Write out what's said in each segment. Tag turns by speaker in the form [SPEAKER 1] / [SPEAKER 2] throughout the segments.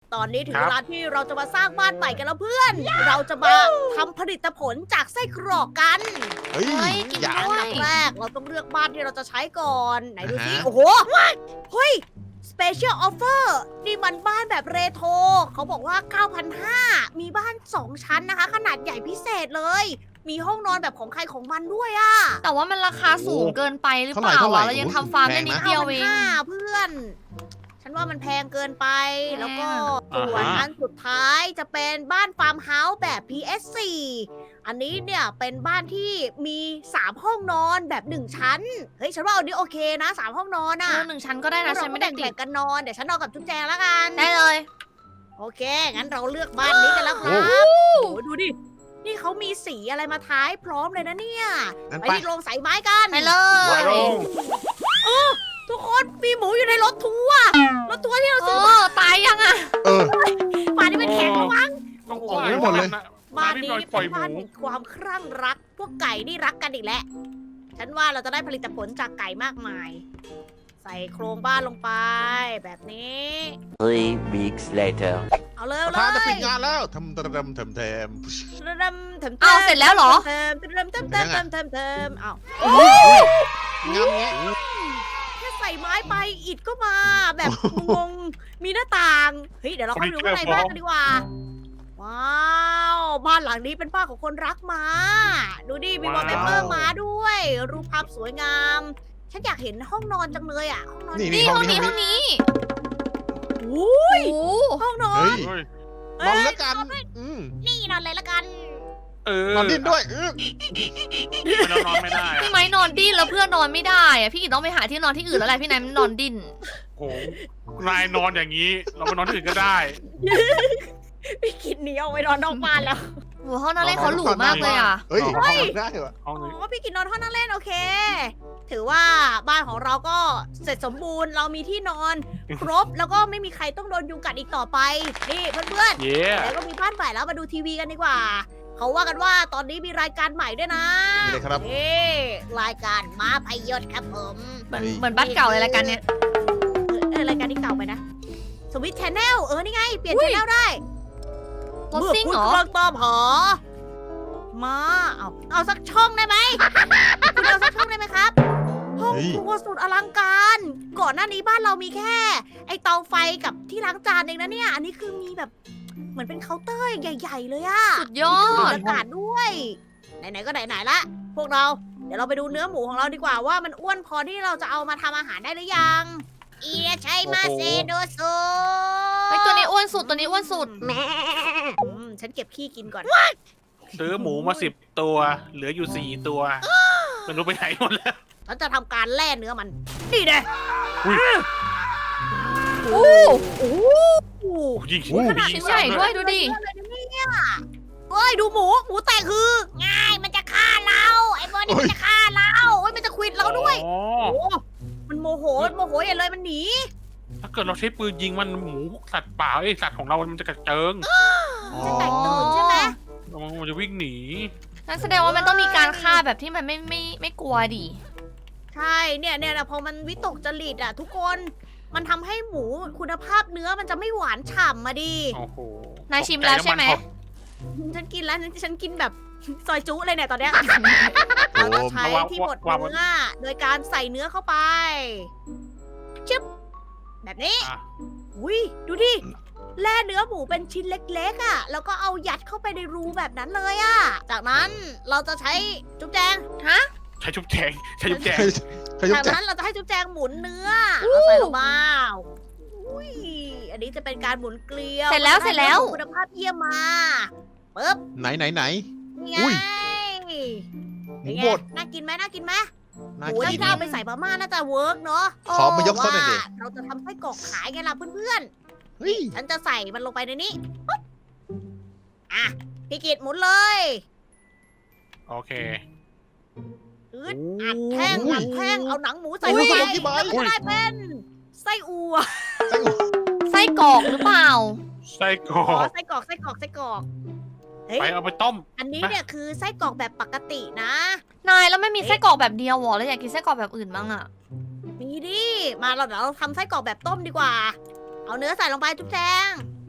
[SPEAKER 1] ตอนนี้ถึง
[SPEAKER 2] ครับ
[SPEAKER 1] เวลาที่เราจะมาสร้างบ้านใหม่กันแล้วเพื่อน เราจะมาทำผลิตผลจากไส้กรอกกัน
[SPEAKER 3] เฮ้ย
[SPEAKER 4] เฮ้ยกิน
[SPEAKER 3] อย่า
[SPEAKER 4] ด้
[SPEAKER 1] อั
[SPEAKER 4] วน
[SPEAKER 1] ดับแรกเราต้องเลือกบ้านที่เราจะใช้ก่อน ไหนดูสิ
[SPEAKER 3] อ่าฮะ
[SPEAKER 1] โอ้โห เฮ้ย Special Offer นี่มันบ้านแบบเรโทรเขาบอกว่า 9,500 มีบ้าน 2 ชั้นนะคะ ขนาดใหญ่พิเศษเลย มีห้องนอนแบบของใครของมันด้วยอะ
[SPEAKER 4] แต่ว่ามันราคาสูงเกินไปหรือเปล่า
[SPEAKER 3] เท่าไหร่
[SPEAKER 4] อะเรายังทำฟาร์มได้นิดเดียวเอง
[SPEAKER 1] 9,500เพื่อน ฉันว่ามันแพงเกินไป
[SPEAKER 4] แพง
[SPEAKER 1] แล้วก็
[SPEAKER 2] อ่าฮะ
[SPEAKER 1] ส่วนอันสุดท้ายจะเป็นบ้านฟาร์มเฮาส์แบบ PS4 อันนี้เนี่ยเป็นบ้านที่มี 3 ห้องนอนแบบ 1 ชั้น เฮ้ย ฉันว่าอันนี้โอเคนะ 3 ห้องนอนอะ
[SPEAKER 4] 1 ชั้นก็ได้นะฉันไม่ได้ติ
[SPEAKER 1] แบ่
[SPEAKER 4] ด
[SPEAKER 1] งกันนอน เดี๋ยวฉันนอนกับจุ๊บแจงแล้วกัน
[SPEAKER 4] ได้เลย
[SPEAKER 1] โอเค งั้นเราเลือกบ้านนี้กันแล้วครับ
[SPEAKER 3] โอ้
[SPEAKER 1] โอ้โหดูดิ นี่เขามีสีอะไรมาท้ายพร้อมเลยนะเนี่ย
[SPEAKER 3] งั้น
[SPEAKER 1] ไป
[SPEAKER 3] ไป
[SPEAKER 1] ที่โรงใส่ไม้กัน
[SPEAKER 4] ไปเล
[SPEAKER 2] ไว้
[SPEAKER 4] ย
[SPEAKER 2] ลง
[SPEAKER 1] ทุกคนมีหมูอยู่ในรถทัวร์รถทัวร์ที่เรา
[SPEAKER 4] โอ้
[SPEAKER 1] ซื้อมา
[SPEAKER 4] ตายยังอะ
[SPEAKER 3] เออ
[SPEAKER 1] ป่านนี้เป็นแข็งแล้วมั้ง
[SPEAKER 2] ต้อง
[SPEAKER 3] ออกไม่หมดเลย
[SPEAKER 1] บ้านนี้
[SPEAKER 2] ปล่
[SPEAKER 1] เป็
[SPEAKER 2] อย
[SPEAKER 1] น
[SPEAKER 2] หมู
[SPEAKER 1] บ้านแห่งความครั่งรัก พวกไก่นี่รักกันอีกแล้ว ฉันว่าเราจะได้ผลิตผลจากไก่มากมาย ใส่โครงบ้านลงไป แบบนี้
[SPEAKER 5] Three weeks later.
[SPEAKER 1] เอาเลย
[SPEAKER 3] ป
[SPEAKER 1] เอา
[SPEAKER 3] ระ
[SPEAKER 1] เล
[SPEAKER 3] ธานจะปิ
[SPEAKER 1] ย
[SPEAKER 3] ดงานแล้วทำ
[SPEAKER 1] เ
[SPEAKER 3] ทำ
[SPEAKER 1] ริ่มเติม
[SPEAKER 4] เอาเสร็จแล้วเหรอ
[SPEAKER 1] เติมเติมเติมเติมเติมเติมเติมเอา
[SPEAKER 3] งานเงี้ย
[SPEAKER 1] แค่ใส่ไม้ไปอิฐก็มา แบบงงๆมีหน้าต่าง เฮ้ยเดี๋ยวเราเข้าไปดูข้างในบ้านกันดีกว่า ว้าวบ้านหลังนี้เป็นบ้านของคนรักม้า ดูดิมีวอลเปเปอร์ม้าด้วย รูปภาพสวยงาม ฉันอยากเห็นห้องนอนจังเลยอ่ะ ห้องนอน
[SPEAKER 3] นี่
[SPEAKER 4] นี่
[SPEAKER 3] ห้
[SPEAKER 4] ห้
[SPEAKER 3] อ
[SPEAKER 4] อง ง
[SPEAKER 3] นี้
[SPEAKER 4] นี้
[SPEAKER 3] ห้
[SPEAKER 4] ห้
[SPEAKER 3] อ
[SPEAKER 4] อง ง
[SPEAKER 3] นี้
[SPEAKER 4] นี้
[SPEAKER 1] อุ้ย
[SPEAKER 4] โอ้
[SPEAKER 1] ห้องนอน
[SPEAKER 3] เฮ้ย
[SPEAKER 2] เฮ้ย
[SPEAKER 3] นอนแล้วกันอืม
[SPEAKER 1] นี่นอนเลยละกัน
[SPEAKER 2] เออน
[SPEAKER 3] อนดิ้นด้วย
[SPEAKER 2] เรานอนไม่ได้อะ
[SPEAKER 4] พี่ไม้นอนดิ้นแล้วเพื่อนนอนไม่ได้อะพี่กิตต้องไปหาที่นอนที่อื่นแล้วแหละพี่ไนายมันนอนดิ้น
[SPEAKER 2] โหนายนอนอย่างนี้ เราไปนอนที่อื่นก็ได้
[SPEAKER 1] พี่กินหนีออกไปนอนนอกบ้านแล้ว
[SPEAKER 4] โอ้ห้องนั่งเล่นเขาหรูมากเลยอะ
[SPEAKER 3] เฮ้ยนอนได้เหรอ
[SPEAKER 2] ห้อง
[SPEAKER 1] อ๋
[SPEAKER 2] นี้
[SPEAKER 1] อพี่กินนอนห้องนั่งเล่นโอเค ถือว่าบ้านของเราก็เสร็จสมบูรณ์เรามีที่นอนครบแล้วก็ไม่มีใครต้องโดนยุงกัดอีกต่อไป นี่เพื่อน
[SPEAKER 2] เย้
[SPEAKER 1] ๆแล้วก็มีบ้านใหม่แล้วมาดูทีวีกันดีกว่า เขาว่ากันว่าตอนนี้มีรายการใหม่ด้วยนะ
[SPEAKER 3] นี่เลยครับ
[SPEAKER 1] นี่รายการม้าพยศครับผม
[SPEAKER 4] เหมือนบ้านเก่าเลยละกันเนี่ย
[SPEAKER 1] รายการที่เก่าไปนะสวิตช์แนลนี่ไงเปลี่ยนชแนลได้
[SPEAKER 4] รถซิ่งเหรอ
[SPEAKER 1] มื่คุณกำลังตามหามาเอาสักช่องได้ไหม คุณเอาสักช่องได้ไหมครับ ห้อง
[SPEAKER 3] เฮ้ย
[SPEAKER 1] ครัวสุดอลังการ ก่อนหน้านี้บ้านเรามีแค่ ไอเตาไฟกับที่ล้างจานเองนะเนี่ย อันนี้คือมีแบบเหมือนเป็นเคาน์เตอร์ใหญ่ ๆ เลยอะ
[SPEAKER 4] สุดยอ
[SPEAKER 1] มี
[SPEAKER 4] ด
[SPEAKER 1] อากาศด้วย ไหนๆก็ไหนๆละ พวกเรา เดี๋ยวเราไปดูเนื้อหมูของเราดีกว่าว่ามันอ้วนพอที่เราจะเอามาทำอาหารได้หรือยัง เอียใช่มาเซโดโซ
[SPEAKER 4] ไอตัวนี้อ้วนสุดตัวนี้อ้วนสุด
[SPEAKER 1] ฉันเก็บขี้กินก่อน
[SPEAKER 2] ซื้อหมูมา10 ตัว เหลืออยู่4 ตัวไม่รู้ไปไหนหมดแล้ว
[SPEAKER 1] ฉันจะทำการแล่เนื้อมัน นี่เด้
[SPEAKER 2] อุ้ย
[SPEAKER 4] โอ้
[SPEAKER 1] โอ้
[SPEAKER 2] โอ้ยิง
[SPEAKER 1] ขนาด
[SPEAKER 4] ชิ้นใหญ่ด้วยดูดิ
[SPEAKER 1] เฮ้ยดูหมูแตกคือง่ายมันจะฆ่าเรา ไอ้บอนี่มันจะฆ่าเราเฮ้ยมันจะควิดเราด้วย
[SPEAKER 2] อ๋อ
[SPEAKER 1] โอ้มันโมโหอย่าเลยมันหนี
[SPEAKER 2] ถ้าเกิดเราใช้ปืนยิงมันหมูสัตว์ป่าไอยสัตว์ของเรามันจะกระเจิง
[SPEAKER 1] จะแตกตื่นใช่ไหม
[SPEAKER 2] มันจะวิ่งหนี
[SPEAKER 4] นั่นแสดงว่ามันต้องมีการฆ่าแบบที่มันไม่กลัวดิ
[SPEAKER 1] ใช่เนี่ยพอมันวิตกจริตอ่ะทุกคนมันทำให้หมูคุณภาพเนื้อมันจะไม่หวานฉ่ำมาดิ
[SPEAKER 2] โอ้โห
[SPEAKER 4] นายชิมแล้วใช่ไหม
[SPEAKER 1] ฉันกินแล้วฉันกินแบบซอยจุเลยเนี่ยตอนเนี้ย เราจะใช้ที่บดเนื้อโดยการใส่เนื้อเข้าไปชึบแบบนี้
[SPEAKER 2] อ่ะ
[SPEAKER 1] อุ้ยดูดิแล่เนื้อหมูเป็นชิ้นเล็กๆอ่ะแล้วก็เอายัดเข้าไปในรูแบบนั้นเลยอ่ะจากนั้นเราจะใช้จุ๊บแจง
[SPEAKER 4] ฮะ
[SPEAKER 2] ใช้ชุบแจงใช้ชุบแจง
[SPEAKER 3] ขยุบ
[SPEAKER 1] จาก
[SPEAKER 3] แจ็ค
[SPEAKER 1] นั้นเราจะให้จุ๊บแจงหมุนเนื้อเอาใส่ลงมาอุ้ยอันนี้จะเป็นการหมุนเกลียว
[SPEAKER 4] เสร็จแล้วเสร็จแล้ว
[SPEAKER 1] คุณภาพเยี่ยมมาปึ๊บ
[SPEAKER 3] ไหน
[SPEAKER 1] นี่ไง
[SPEAKER 3] อุ้ย หมู
[SPEAKER 1] เป็นไง
[SPEAKER 3] บด
[SPEAKER 1] น่ากินไหมน่ากินไหม
[SPEAKER 3] น่า
[SPEAKER 1] โอ้ย
[SPEAKER 3] กิ
[SPEAKER 1] นี่
[SPEAKER 3] น
[SPEAKER 1] ถ้าเอาไปใส่มาม่าน่าจะเวิร์กเนาะ
[SPEAKER 3] ขอมายกซะหน่อยดิ
[SPEAKER 1] ว่าเราจะทำไส้กรอกขายไงล่ะเพื่อน
[SPEAKER 3] เฮ้ย
[SPEAKER 1] ๆ ฉันจะใส่มันลงไปในนี้ปุ๊บอ่ะพี่กิตหมุนเลย
[SPEAKER 2] โอเค
[SPEAKER 1] อึดอัดแท่ง
[SPEAKER 3] อุ้ย
[SPEAKER 1] อัดแท่งเอาหนังหมูใส่
[SPEAKER 3] อุ้
[SPEAKER 1] ลง
[SPEAKER 3] ย
[SPEAKER 1] ไป
[SPEAKER 3] กี่ใบ
[SPEAKER 1] แล้วก็ได้เป็นไส้อัว
[SPEAKER 4] ไส้กรอกหรือเปล่า
[SPEAKER 2] ไส้กร
[SPEAKER 1] อ๋
[SPEAKER 2] อ
[SPEAKER 1] อก ไส้กรอกเฮ้ย
[SPEAKER 2] ไปเอาไปต้ม
[SPEAKER 1] อันนี้เนี่ยคือไส้กรอกแบบปกตินะ
[SPEAKER 4] นายแล้วไม่มีไส้กรอกแบบเดียวหรอแล้วอยากกินไส้กรอกแบบอื่นบ้างอะ
[SPEAKER 1] มีดิมาเราเดี๋ยวเราทำไส้กรอกแบบต้มดีกว่า เอาเนื้อใส่ลงไปทุกแจง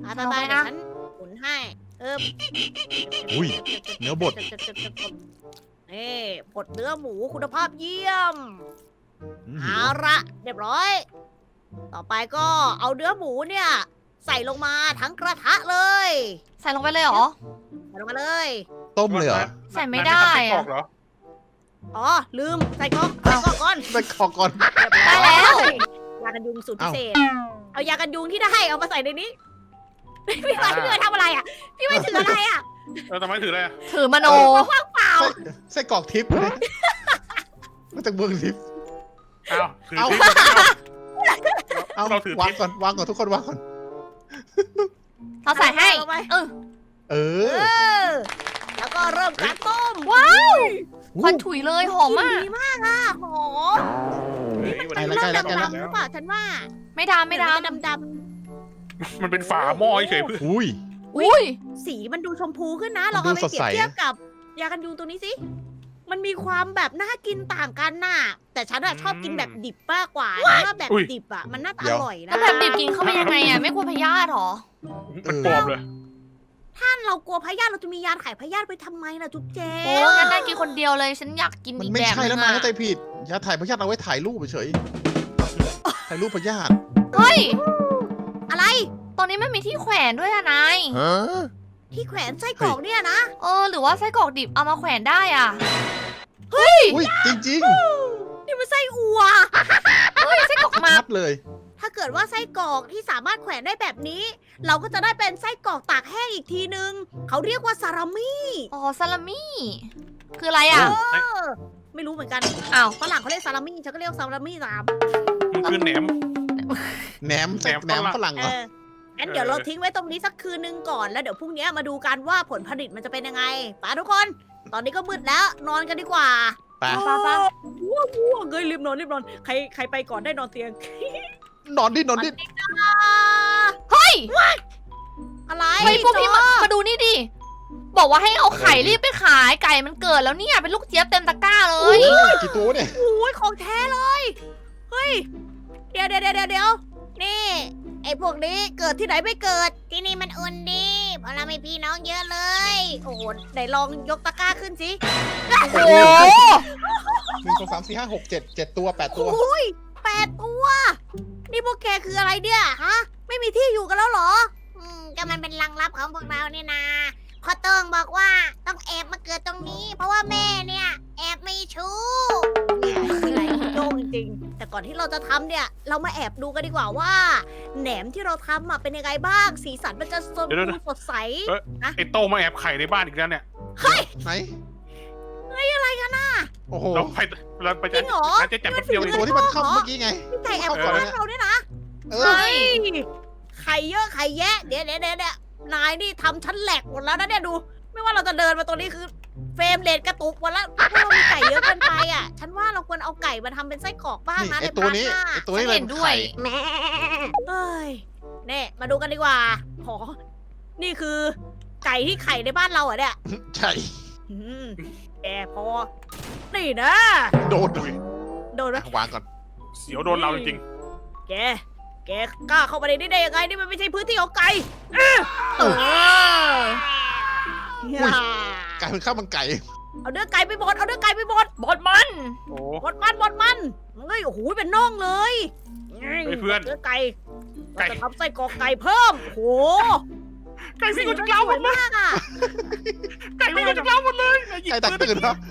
[SPEAKER 1] ไปๆเดี๋ยวฉันหมุนให้เออ
[SPEAKER 3] อุ้ยเนื้อบด
[SPEAKER 1] นี่บดเนื้อหมูคุณภาพเยี่ยม
[SPEAKER 3] อืม
[SPEAKER 1] เอาละเรียบร้อย ต่อไปก็เอาเนื้อหมูเนี่ย ใส่ลงมาทั้งกระทะเลย
[SPEAKER 4] ใส่ลงไปเลยเหรอ
[SPEAKER 1] ใส่ลงมาเลย
[SPEAKER 3] ต้มเลยเหรอ
[SPEAKER 4] ใส่ไม่ได้
[SPEAKER 2] นาย
[SPEAKER 4] อะ
[SPEAKER 2] ทำไส้กรอกเหรอ
[SPEAKER 1] อ๋อลืมใส่ก๊อกก่อน
[SPEAKER 3] ไปขอก่อน
[SPEAKER 1] เรียบร้อย
[SPEAKER 4] ได้แล้ว
[SPEAKER 1] ยากันยุงสูตรพิเศษ เอายากันยุงที่ได้เอามาใส่ในนี้ พี่ไม้พี่ไม้ทำอะไรอ่ะ พี่ไม้ถืออะไรอ่ะ
[SPEAKER 2] ทำไมถืออะไรอะ
[SPEAKER 4] ถือมโน
[SPEAKER 1] ว่างเปล่า
[SPEAKER 3] ไส้กรอกทิพย์เลยมาจากเมืองทิพย์
[SPEAKER 2] อ้าวถือ
[SPEAKER 3] เอา
[SPEAKER 2] ที่
[SPEAKER 3] เอา
[SPEAKER 2] เราถือ
[SPEAKER 3] วาง
[SPEAKER 2] ทิพย์
[SPEAKER 3] ก่อนวางก่อนทุกคนวางก่อน
[SPEAKER 4] เราใส่ให้
[SPEAKER 1] เอาไป
[SPEAKER 4] เออ
[SPEAKER 3] เอ
[SPEAKER 1] เอ
[SPEAKER 3] อ
[SPEAKER 1] อ แล้วก็เริ่มการต้ม
[SPEAKER 4] ว้าว
[SPEAKER 3] อู้
[SPEAKER 4] ควันถุยเลยหอม
[SPEAKER 1] กลิ่น
[SPEAKER 4] มาก
[SPEAKER 1] ดีมากอ่ะหอม
[SPEAKER 2] เฮ้ยวันนี้
[SPEAKER 3] ใกล้แล้ว
[SPEAKER 1] ดำๆหรือเปล่าฉันว่า
[SPEAKER 4] ไม่ดำไม่ด
[SPEAKER 1] ดำ
[SPEAKER 2] มันเป็นฝาหม้อเฉยๆเพื่อน
[SPEAKER 3] อุ้ย
[SPEAKER 4] ำอุ้ย
[SPEAKER 1] ๆสีมันดูชมพูขึ้นนะลองเอาไป
[SPEAKER 3] ดูสด
[SPEAKER 1] เปรีย
[SPEAKER 3] ใส
[SPEAKER 1] บเทียบกับยากันยุงตัวนี้สิมันมีความแบบน่ากินต่างกันน่ะ แต่ฉันอะชอบกินแบบดิบมากกว่าเพราะว่าแบบดิบอะมันน่าจะอร่อยนะ
[SPEAKER 4] แล้วแบบดิบกินเข้าไปยังไงอ่ะ ไม่กลัวพยาธิหรอ
[SPEAKER 2] มันปลอมเลย
[SPEAKER 1] ถ้าเรากลัวพยาธิเราจะมียาขายพยาธิไปทำไมล่ะจุ๊บเจ
[SPEAKER 4] โอ้งั้นน่ากินคนเดียวเลย ฉันอยากกิน
[SPEAKER 3] มัน
[SPEAKER 4] อีก
[SPEAKER 3] ไม่
[SPEAKER 4] แบบ
[SPEAKER 3] ใช่
[SPEAKER 4] นึ
[SPEAKER 3] แล้ว
[SPEAKER 4] ง
[SPEAKER 3] นาย
[SPEAKER 4] อ่ะ
[SPEAKER 3] เข้าใจผิดยาถ่ายพยาธิเอาไว้ถ่ายรูปเฉยถ่ายรูปพยาธิ
[SPEAKER 4] เฮ้ย
[SPEAKER 1] อะไร
[SPEAKER 4] ตอนนี้มันมีที่แขวนด้วยอะนาย
[SPEAKER 3] ฮะ
[SPEAKER 1] ที่แขวนไส้กรอกเนี่ยนะ
[SPEAKER 4] เออ หรือว่าไส้กรอกดิบเอามาแขวนได้อ่ะ
[SPEAKER 3] อุ้ยจริง
[SPEAKER 1] นี่มันไส้อัว
[SPEAKER 4] เฮ้ย ไส้กรอก
[SPEAKER 3] ๆ
[SPEAKER 4] หมัก
[SPEAKER 3] ชัดเลย
[SPEAKER 1] ถ้าเกิดว่าไส้กรอกที่สามารถแขวนได้แบบนี้ เราก็จะได้เป็นไส้กรอกตากแห้งอีกทีนึง เขาเรียกว่าซาลามี่
[SPEAKER 4] อ๋อซาลามี่ คืออะไรอ่ะ
[SPEAKER 1] เออ ไม่รู้เหมือนกัน
[SPEAKER 4] อ้าว
[SPEAKER 1] ฝรั่งเขาเรียกซาลามี่ฉันก็เรียกซาลามี่ตาม
[SPEAKER 2] มันคือแหนม
[SPEAKER 3] แหนม
[SPEAKER 2] แหนม
[SPEAKER 3] แหนมฝรั่ง
[SPEAKER 1] เอ
[SPEAKER 3] เหรอ
[SPEAKER 1] องั้นเดี๋ยวเราทิ้งไว้ตรงนี้สักคืนนึงก่อน แล้วเดี๋ยวพรุ่งนี้มาดูกันว่าผลผลิตมันจะเป็นยังไงไปทุกคน ตอนนี้ก็มืดแล้วนอนกันดีกว่า
[SPEAKER 3] ไป
[SPEAKER 1] ว้าวว้าวเงยรีบนอนรีบนอนใครไปก่อนได้นอนเตียง
[SPEAKER 3] นอนดินอนดิ
[SPEAKER 4] เฮ้ย
[SPEAKER 1] อะไร
[SPEAKER 4] เฮ้ยพวกพี่
[SPEAKER 1] จอ
[SPEAKER 4] มาดูนี่ดิ บอกว่าให้เอาไข่รีบไปขายไก่มันเกิดแล้วเนี่ย เป็นลูกเจี๊ยบเต็มตะกร้าเลย
[SPEAKER 3] กี่ตัวเนี่ย
[SPEAKER 1] โอ้ยของแท้เลย เฮ้ย เดี๋ยวนี่ ไอ้พวกนี้เกิดที่ไหนไม่เกิด ที่นี่มันอุ่นดีเพราะเราไม่พี่น้องเยอะเลย โอ้โหไหนลองยกตะกร้าขึ้นสิ
[SPEAKER 4] โอ้โห
[SPEAKER 3] 1 2 3 4 5 6 7 ตัว8 ตัว
[SPEAKER 1] โอ้ย8 ตัว นี่พวกแกคืออะไรเนี่ยฮะ ไม่มีที่อยู่กันแล้วเหรอ ก็มันเป็นรังลับของพวกเราเนี่ยนะพ่อเติงบอกว่าต้องแอบมาเกิดตรงนี้ เพราะว่าแม่เนี่ย แอบมีชู้คืออะไรโยงจริงๆแต่ก่อนที่เราจะทำเนี่ย เรามาแอบดูกันดีกว่าว่า แหนมที่เราทำอ่ะเป็นยังไงบ้าง สีสันมันจะสดสดใส
[SPEAKER 2] ไอ้โตมาแอบไข่ในบ้านอีกแล้วเนี่ย
[SPEAKER 3] ไหน
[SPEAKER 1] อะไรกันน่ะ
[SPEAKER 3] โอ้โห
[SPEAKER 2] เราไป
[SPEAKER 1] จริงเหรอ
[SPEAKER 2] จะจับแป๊บเดียว
[SPEAKER 3] ไอ
[SPEAKER 2] เอง
[SPEAKER 3] ตัวที่มันเข้าเมื่อกี้ไง
[SPEAKER 1] พี่ไก่แอบเข้าบ้านเราเนี่ยนะ
[SPEAKER 3] เอ
[SPEAKER 1] ใช่
[SPEAKER 3] อ
[SPEAKER 1] ไข่เยอะไข่แยะ เดี๋ยวนายนี่ทำชั้นแหลกหมดแล้วนะเนี่ยดู ไม่ว่าเราจะเดินมาตัวนี้คือเฟรมเรทกระตุกหมดแล้วเพราะเรามีไก่เยอะเกินไปอ่ะ ฉันว่าเราควรเอาไก่มาทำเป็นไส้กรอกบ้าง
[SPEAKER 3] นี่
[SPEAKER 1] นะ
[SPEAKER 3] ไอ
[SPEAKER 1] ใน
[SPEAKER 3] ตัว
[SPEAKER 1] พาร์ท
[SPEAKER 3] นี้
[SPEAKER 1] หน้า
[SPEAKER 3] ไอตัวนี้เลย
[SPEAKER 4] เห็นด้วย
[SPEAKER 1] เอ้ยเนี่ยมาดูกันดีกว่าขอนี่คือ ไก่ที่ไข่ในบ้านเราเหรอเนี่ย
[SPEAKER 3] ใช่
[SPEAKER 1] อืมแกพอ นี่นะ
[SPEAKER 3] โดน
[SPEAKER 1] โดนไหม
[SPEAKER 3] วางก่อน
[SPEAKER 2] เสียวโดนเราจริง
[SPEAKER 1] แกกล้าเข้ามาในนี้ได้ยังไง นี่มันไม่ใช่พื้นที่ของไก่
[SPEAKER 4] เออ
[SPEAKER 3] อุ้ย กลายเป็นข้าวมันไก่
[SPEAKER 1] เอาเนื้อไก่ไปบดเอาเนื้อไก่ไปบด
[SPEAKER 4] บดมัน
[SPEAKER 2] ๆโอ้
[SPEAKER 1] บดมันเฮ้ยโอ้โหเป็นน่องเลย
[SPEAKER 2] เฮ้ยเพื่อน
[SPEAKER 1] เนื้อไก่
[SPEAKER 2] ไก่
[SPEAKER 1] เราจะทำไส้กรอกไก่เพิ่มโอ้โห
[SPEAKER 2] ไก่วิ่งออกจากเล้าหมดเลย
[SPEAKER 1] มากอ่ะ
[SPEAKER 2] ไก่วิ่งออกจากเล้าหมดเลยยิง
[SPEAKER 3] ไก่แตก
[SPEAKER 2] ปืน
[SPEAKER 3] ตื่นครับ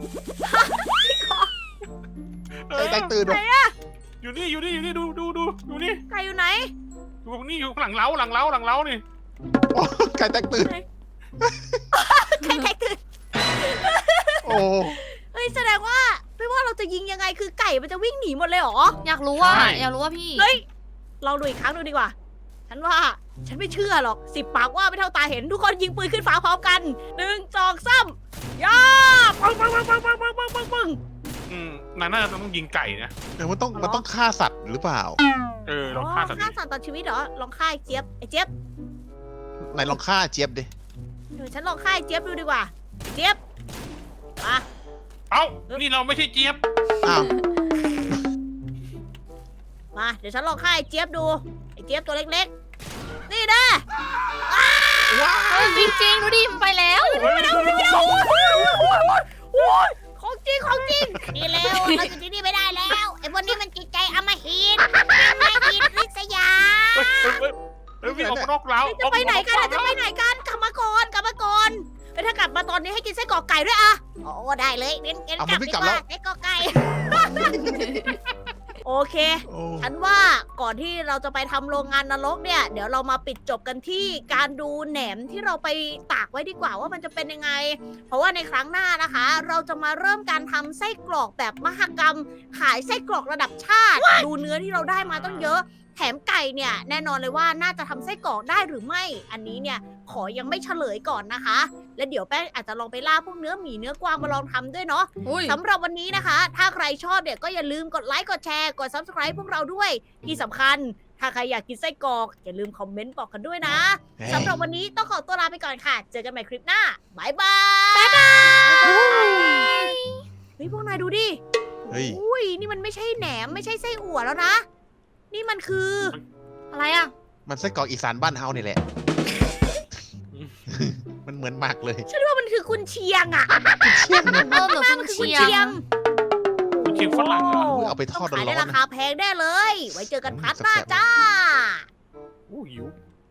[SPEAKER 2] เอ
[SPEAKER 3] ไก่
[SPEAKER 2] อ
[SPEAKER 3] แตกตื่น
[SPEAKER 1] ไหน
[SPEAKER 3] วะ
[SPEAKER 1] อะ
[SPEAKER 2] อยู่นี่ดูนี่
[SPEAKER 1] ไก่อยู่ไหน
[SPEAKER 2] อยู่นี่อยู่หลังเล้านี่
[SPEAKER 3] โอ้ไก่แตกตื่น
[SPEAKER 1] ไก่แตกตื่น
[SPEAKER 3] โอ้
[SPEAKER 1] เฮ้ยแสดงว่าไม่ว่าเราจะยิงยังไงคือไก่มันจะวิ่งหนีหมดเลยเหรอ
[SPEAKER 4] อยากรู้ว่าพี่
[SPEAKER 1] เฮ้ยลองดูอีกครั้งดูดีกว่า ฉันว่าฉันไม่เชื่อหรอก10 ปากว่าไม่เท่าตาเห็นทุกคนยิงปืนขึ้นฟ้าพร้อมกัน1 2 3ย่าปึ้ง
[SPEAKER 2] นายน่าจะต้องยิงไก่นะ
[SPEAKER 3] เดี๋ยวมันต้องฆ่าสัตว์หรือเปล่า
[SPEAKER 2] ลองฆ่าสัตว์
[SPEAKER 1] ฆ่าสัตว์ตัดชีวิตเหรอลองฆ่าไอ้เจี๊ยบไอ้เจี๊ยบ
[SPEAKER 3] ไหนลองฆ่าเจี๊ยบดิ
[SPEAKER 1] เดี๋ยวฉันลองฆ่าไอ้เจี๊ยบดูดีกว่าไอ้เจี๊ยบมา
[SPEAKER 2] เอ้านี่เราไม่ใช่เจี๊ยบ
[SPEAKER 3] อ้าว
[SPEAKER 1] มาเดี๋ยวฉันลองฆ่าไอ้เจี๊ยบดูไอ้เจี๊ยบตัวเล็กๆนี่นะ
[SPEAKER 4] จริงดูดิมันไปแล้ว
[SPEAKER 1] ของจริงของจริงนี่เร็วเราอยู่ที่นี่ไม่ได้แล้วไอ้พวกนี้มันจิตใจอำมหิตไม่หิตริษยา
[SPEAKER 2] วิ่งออกนอกเล้า
[SPEAKER 1] จะไปไหนกันจะไปไหนกันกลับมาก่อนถ้ากลับมาตอนนี้ให้กินไส้กรอกไก่ด้วยอะโอ้ได้เลยงั้นกลับดีกว่าไส้กรอกไก่ โอเค
[SPEAKER 3] โอ้
[SPEAKER 1] ฉันว่าก่อนที่เราจะไปทำโรงงานนรกเนี่ย เดี๋ยวเรามาปิดจบกันที่การดูแหนมที่เราไปตากไว้ดีกว่าว่ามันจะเป็นยังไง เพราะว่าในครั้งหน้านะคะ เราจะมาเริ่มการทำไส้กรอกแบบมหกรรม ขายไส้กรอกระดับชาติ ดูเนื้อที่เราได้มาต้องเยอะ แถมไก่เนี่ยแน่นอนเลยว่าน่าจะทำไส้กรอกได้หรือไม่ อันนี้เนี่ยขอยังไม่เฉลยก่อนนะคะ และเดี๋ยวแป้งอาจจะลองไปล่าพวกเนื้อหมีเนื้อกวางมาลองทำด้วยเนาะ
[SPEAKER 4] อุ้ย
[SPEAKER 1] สำหรับวันนี้นะคะ ถ้าใครชอบเนี่ยก็อย่าลืมกดไลค์ กดแชร์ กด subscribe พวกเราด้วย ที่สำคัญ ถ้าใครอยากกินไส้กรอก อย่าลืมคอมเมนต์บอกกันด้วยนะ สำหรับวันนี้ต้องขอตัวลาไปก่อนค่ะ เจอกันใหม่คลิปหน้า บ๊ายบาย บ๊ายบาย เฮ้ยพวกนายดูดิ
[SPEAKER 3] เฮ้ย
[SPEAKER 1] อุ้ยนี่มันไม่ใช่แหนมไม่ใช่ไส้อั่วแล้วนะ นี่มันคือ
[SPEAKER 4] อะไรอ่ะ
[SPEAKER 3] มันไส้กรอกอีสานบ้านเฮานี่แหละ มันเหมือนหมากเลย
[SPEAKER 1] ฉันว่ามันคือคุณเชียงอะ
[SPEAKER 3] เชี่ยง
[SPEAKER 4] เออเหมือน
[SPEAKER 1] มั
[SPEAKER 4] คุ
[SPEAKER 1] น
[SPEAKER 4] ณ
[SPEAKER 1] คือคุณ
[SPEAKER 4] เชีย
[SPEAKER 1] เชีย
[SPEAKER 4] ง
[SPEAKER 1] ง
[SPEAKER 2] คุณคิงฝรั่งเหรอ
[SPEAKER 3] เอาไปทอด
[SPEAKER 1] ขาย
[SPEAKER 3] ร้
[SPEAKER 1] ได้
[SPEAKER 3] อน
[SPEAKER 1] รา
[SPEAKER 3] ๆนะ
[SPEAKER 1] คาแพงแน่เลย ไว้เจอกันพาร์ทหน้าจ้า
[SPEAKER 2] อู้หิว